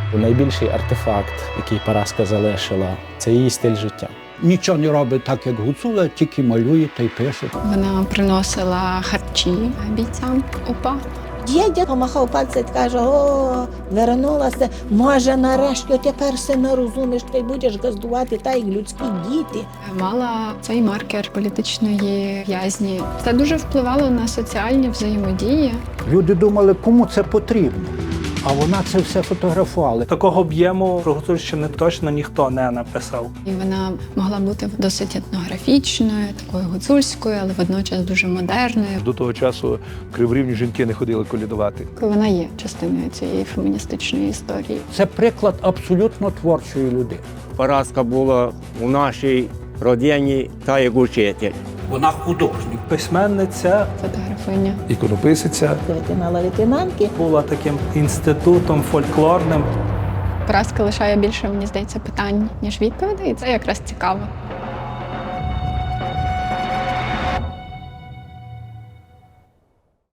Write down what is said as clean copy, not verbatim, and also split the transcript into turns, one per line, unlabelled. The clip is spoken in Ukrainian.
Найбільший артефакт, який Параска залишила, це її стиль життя.
Нічого не робить так, як Гуцула, тільки малює та й пише.
Вона приносила харчі бійцям УПА.
Дідя помахав пальцем і каже: о, вернулася, може нарешті тепер сина розумієш, ти будеш газдувати так, як людські діти.
Мала цей маркер політичної в'язні. Це дуже впливало на соціальні взаємодії.
Люди думали, кому це потрібно, а вона це все фотографувала.
Такого об'єму про Гуцульщину точно ніхто не написав.
І вона могла бути досить етнографічною, такою гуцульською, але водночас дуже модерною.
До того часу в Криворівні жінки не ходили колядувати.
Вона є частиною цієї феміністичної історії.
Це приклад абсолютно творчої людини.
Параска була у нашій родині та як учитель.
Вона художник.
Письменниця
Фотографиня.
Іконописиця.
Лейтенант-лейтенантки.
була таким інститутом фольклорним.
Поразка лишає більше, мені здається, питань, ніж відповідей, і це якраз цікаво.